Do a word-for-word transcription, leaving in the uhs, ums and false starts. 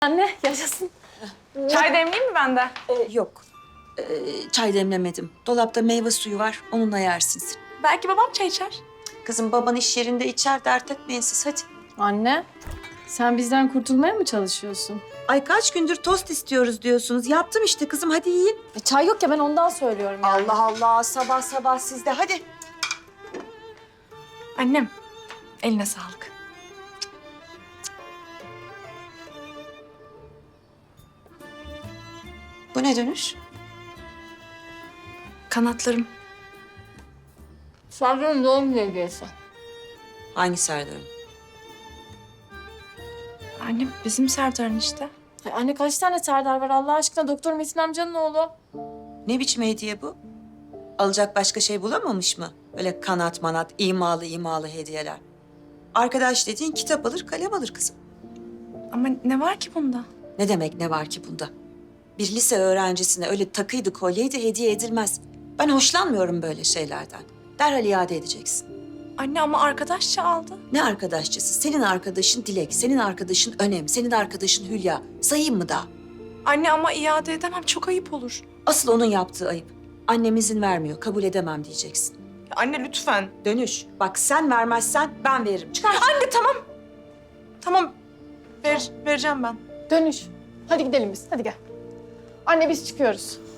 Anne yaşasın. Çay demleyeyim mi ben de? Ee, yok. Ee, çay demlemedim. Dolapta meyve suyu var. Onunla yersin sen. Belki babam çay içer. Kızım baban iş yerinde içer, dert etmeyin siz hadi. Anne sen bizden kurtulmaya mı çalışıyorsun? Ay kaç gündür tost istiyoruz diyorsunuz. Yaptım işte kızım, hadi yiyin. E, çay yok ya ben ondan söylüyorum yani. Allah Allah, sabah sabah sizde hadi. Annem, eline sağlık. Bu ne dönüş? Kanatlarım. Serdar'ın doğum günü hediyesi. Hangi Serdar'ın? Annem bizim Serdar'ın işte. Ay anne kaç tane Serdar var Allah aşkına? Doktor Metin amcanın oğlu. Ne biçim hediye bu? Alacak başka şey bulamamış mı? Öyle kanat manat, imalı imalı hediyeler. Arkadaş dediğin kitap alır, kalem alır kızım. Ama ne var ki bunda? Ne demek ne var ki bunda? Bir lise öğrencisine öyle takıydı, kolyeydi hediye edilmez. Ben hoşlanmıyorum böyle şeylerden. Derhal iade edeceksin. Anne ama arkadaşça aldı. Ne arkadaşçısı? Senin arkadaşın Dilek, senin arkadaşın Önem, senin arkadaşın Hülya. Sayayım mı daha? Anne ama iade edemem, çok ayıp olur. Asıl onun yaptığı ayıp. Annem izin vermiyor, kabul edemem diyeceksin. Ya anne lütfen. Dönüş. Bak sen vermezsen ben veririm. Çıkar. Anne tamam. Tamam, ver, vereceğim ben. Dönüş. Hadi gidelim biz hadi gel. Anne biz çıkıyoruz.